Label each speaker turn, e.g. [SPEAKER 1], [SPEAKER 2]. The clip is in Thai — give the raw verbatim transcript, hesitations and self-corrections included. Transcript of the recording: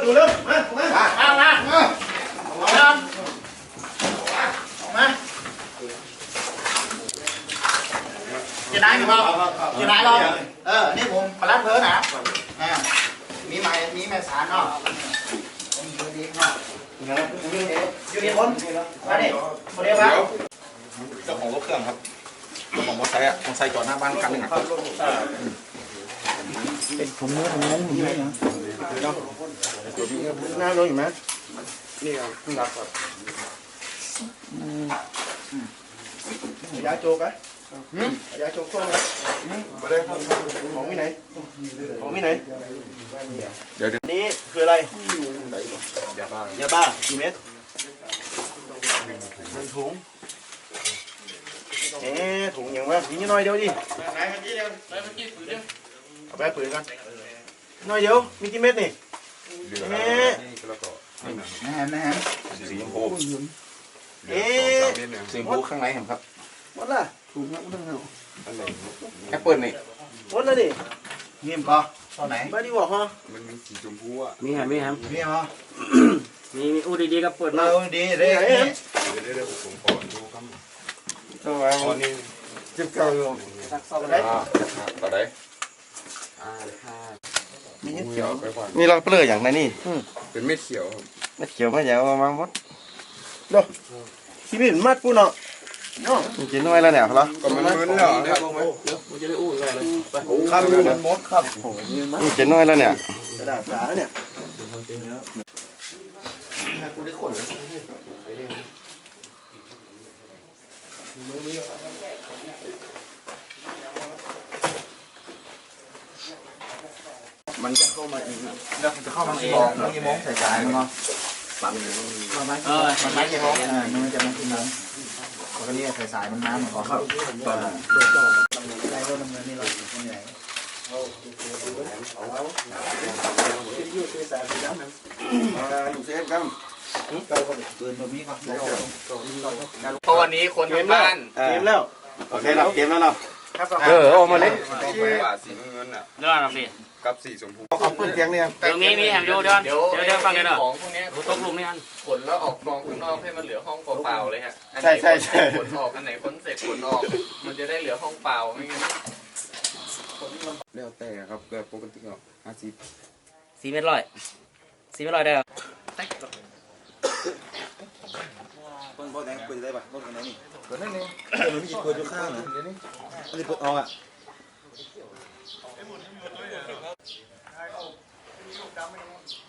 [SPEAKER 1] ดูเริ่มมามามามามาออกมาออกมาจะได้กันเปล่าจะได้หรอเออนี่ผมปลาเพิ่นนะอ่ามีไม้มีแม่สารเนาะอยู่ดีเนาะอยู่ดีคนมาดิคนเดียวครับ
[SPEAKER 2] เจ้าของรถเครื่องครับเจ้าของมอเตอร์ไซค์อ่ะมอเตอร์ไซค์จอดหน้าบ้านคันหนึ่งครับ
[SPEAKER 1] เป็นผมเนื้อผมนั้นผมเนื้อนะหน้าโดนอยู่ไหมนี่ครับเพิ่งรับครับยาโจกไหมยาโจกโค้งไหมของที่ไหนของที่ไหนเดี๋ยวนี้คืออะไรยาบ้ายาบ้ากี่เม็ดหนึ่งถุงเอ๊ะถุงยังวะมีนิดหน่อยเดียวดิไหนเมื่อกี้เดียวไหนเมื่อกี้ปืนเดียวเอาไปปืนกันหน่อยเดียวมีกี่เม็ดนี่เอ๊ะนะฮะนะฮะ
[SPEAKER 2] สีชมพู
[SPEAKER 1] เอ๊ะ
[SPEAKER 2] สีชมพูข้างในเห็นครับ
[SPEAKER 1] หมดละถุงแล้วมันต้องเอา
[SPEAKER 2] แอปเปิลนี่
[SPEAKER 1] หมดแล้วดิมีมั้ยปะตอนไหนไม่ได้บอกฮะ
[SPEAKER 2] มันมีสีชมพูอ่ะ
[SPEAKER 3] มีฮะมีฮะ
[SPEAKER 1] มีมั้ย
[SPEAKER 3] มีมีอู้ดีๆก็เปิดมา
[SPEAKER 1] อู้ดีเด้
[SPEAKER 2] เดี๋ยวเดี๋ยวผมขอดูครับ
[SPEAKER 1] ตัวอันนี้จิ๊บเก่าอยู่
[SPEAKER 2] ตักซองได้ต่อได้
[SPEAKER 1] มีเขียวมีเราเปลือกอย่างไรนี่
[SPEAKER 2] เป็นเม็ดเขียว
[SPEAKER 1] เม็ดเขียวมาแย่มาหมดดูที่นี่มัดปูเนาะเนาะมีกินน้อยแล้วเนี่ยเหรอ
[SPEAKER 2] ก็มันมึนแล้วครับ
[SPEAKER 3] มันจะได้อู้อะไรเลย
[SPEAKER 1] ครับมันมดครับมีกินน้อยแล้วเนี่ยกระดาษสาเนี่ยมันจะเข้ามาอีกแล้วมันจะเข้ามาเองมันกี่โมงสายๆมันเนาะปั๊บเออมันไม่กี่โมงอ่ามันจะมากี่โมงแล้วนี่สายๆมันน้ำมันขอเข้าตอนได้รถดำเนินนี่เราคนใหญ่อยู่เซฟกันอยู่เซฟกันเกินแบบนี้ครับ
[SPEAKER 3] เพราะวันนี้คนทำบ้าน
[SPEAKER 1] เกมแล้วโอเคแล้วเกมแล้วเนาะเออออกมาเลย
[SPEAKER 2] สีเงินอ่ะ
[SPEAKER 3] เรื่องอะไร
[SPEAKER 2] กับสีชมพู
[SPEAKER 1] เอาปืนเสียงเนี่ย
[SPEAKER 3] เดี๋ยวมีมีแฮมโยเดี๋ยวเดี๋ยวเดี๋ยวฟังกันเนาะ
[SPEAKER 4] ของพวกนี้
[SPEAKER 3] ตกลุมนี่อัน
[SPEAKER 4] ขนแล้วออกกองข้างนอกให้มันเหลือห้องเปล่าๆเลยฮะ
[SPEAKER 1] ใช่ใช่ใช่
[SPEAKER 4] ขนออกอันไหนขนเสร็จขนออกมันจะได้เหลือห้องเปล่าไม่งั้น
[SPEAKER 2] แล้วแต่ครับแบบปกติก็ห้าสิบ
[SPEAKER 3] สี่เม็ดร้อยสี่เม็ดร้อยได้หรอ
[SPEAKER 1] ต้นโพแดงเปิดได้ป่ะต้นอะไรนี่เปิดได้นี่เดี๋ยวมันมีเปิดอยู่ข้างนะเดี๋ยวนี้นี่เปิดออกอ่ะไอ้หมดไอ้หมดเลยอ่ะ